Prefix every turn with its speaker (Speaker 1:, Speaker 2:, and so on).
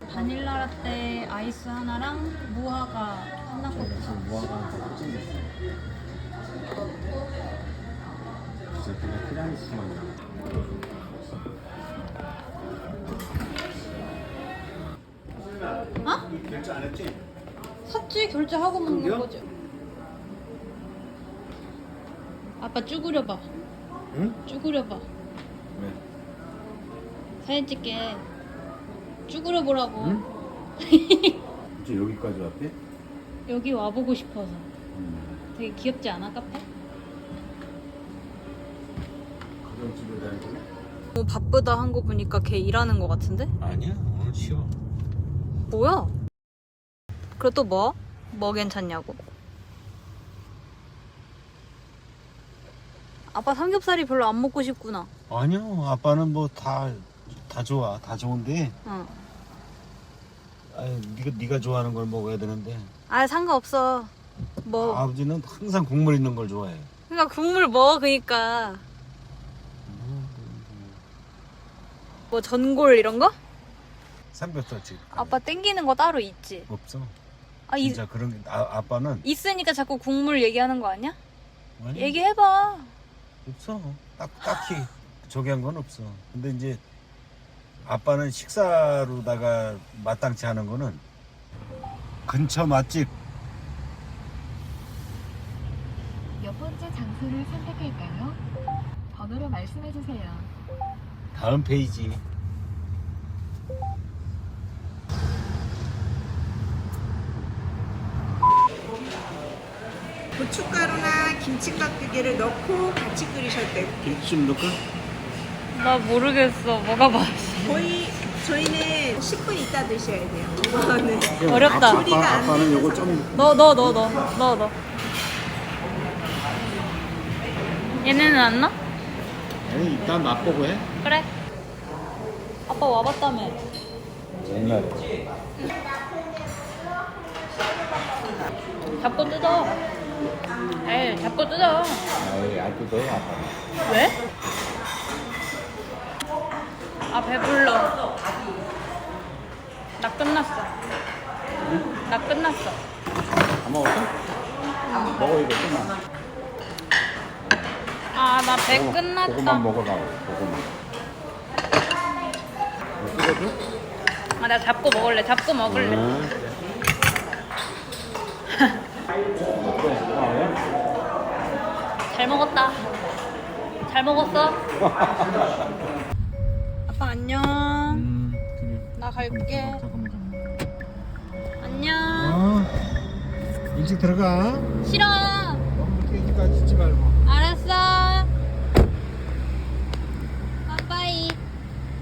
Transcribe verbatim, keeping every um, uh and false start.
Speaker 1: 바닐라 라떼 아이스 하나랑 무화과 하나 거.
Speaker 2: 무화과 진짜 그냥 티라미수만
Speaker 1: 어?
Speaker 2: 결제 안 했지?
Speaker 1: 샀지? 결제하고 먹는
Speaker 2: 그게요?
Speaker 1: 거지. 아빠 쭈그려봐.
Speaker 2: 응?
Speaker 1: 쭈그려봐.
Speaker 2: 왜?
Speaker 1: 사진 찍게. 쭈그려보라고.
Speaker 2: 응? 이제 여기까지 왔대?
Speaker 1: 여기 와보고 싶어서.
Speaker 2: 음.
Speaker 1: 되게 귀엽지 않아, 카페?
Speaker 2: 가정집에 다니고?
Speaker 1: 너무 바쁘다 한 거 보니까 걔 일하는 거 같은데?
Speaker 2: 아니야, 오늘 쉬어.
Speaker 1: 뭐야? 그리고 또 뭐? 뭐 괜찮냐고? 아빠 삼겹살이 별로 안 먹고 싶구나.
Speaker 2: 아니요, 아빠는 뭐 다 다 좋아, 다 좋은데.
Speaker 1: 응.
Speaker 2: 아유, 네가 네가 좋아하는 걸 먹어야 되는데.
Speaker 1: 아 상관없어. 뭐.
Speaker 2: 아버지는 항상 국물 있는 걸 좋아해.
Speaker 1: 그러니까 국물 먹어 그니까. 뭐 전골 이런 거?
Speaker 2: 삼겹살집.
Speaker 1: 아빠 땡기는 거 따로 있지?
Speaker 2: 없어.
Speaker 1: 아, 이,
Speaker 2: 진짜 그런 게 아, 아빠는
Speaker 1: 있으니까 자꾸 국물 얘기하는 거 아니야?
Speaker 2: 아니,
Speaker 1: 얘기해봐.
Speaker 2: 없어. 딱 딱히 저기 한 건 없어. 근데 이제 아빠는 식사로다가 마땅치 않은 거는 근처 맛집.
Speaker 3: 몇 번째 장소를 선택할까요? 번호로 말씀해 주세요.
Speaker 2: 다음 페이지.
Speaker 4: 고춧가루나 김치깍두기를 넣고 같이 끓이셔도 되고
Speaker 2: 김치 좀 넣을까?
Speaker 1: 나 모르겠어. 뭐가 맛이.
Speaker 4: 거의 저희는 십 분 있다 드셔야 돼요. 네.
Speaker 1: 어렵다.
Speaker 4: 조리가
Speaker 2: 아빠,
Speaker 4: 안
Speaker 2: 아빠는
Speaker 4: 돼서
Speaker 2: 요거 좀
Speaker 1: 너, 너, 너, 너, 너, 너. 얘네는 안 나?
Speaker 2: 아니, 일단 맛보고 해.
Speaker 1: 그래. 아빠 와봤다며.
Speaker 2: 옛날에.
Speaker 1: 잡고 뜯어. 에이, 잡고 뜯어.
Speaker 2: 아이, 안 뜯어요, 아빠.
Speaker 1: 왜? 아, 배불러. 나 끝났어. 나 끝났어.
Speaker 2: 다 먹었어? 먹어, 이거 좀만.
Speaker 1: 아, 나 배
Speaker 2: 그거만-
Speaker 1: 끝났다.
Speaker 2: 그거만 먹어라, 그거만. 뭐 찍어줘?
Speaker 1: 아, 나 잡고 먹을래. 잡고 먹을래.
Speaker 2: 응.
Speaker 1: 잘 먹었다. 잘 먹었어? 아빠 안녕.
Speaker 2: 음, 그래.
Speaker 1: 나 갈게.
Speaker 2: 잠깐만, 잠깐만.
Speaker 1: 안녕.
Speaker 2: 어, 일찍 들어가.
Speaker 1: 싫어.
Speaker 2: 너무 깨기까지 있지 말고.
Speaker 1: 알았어.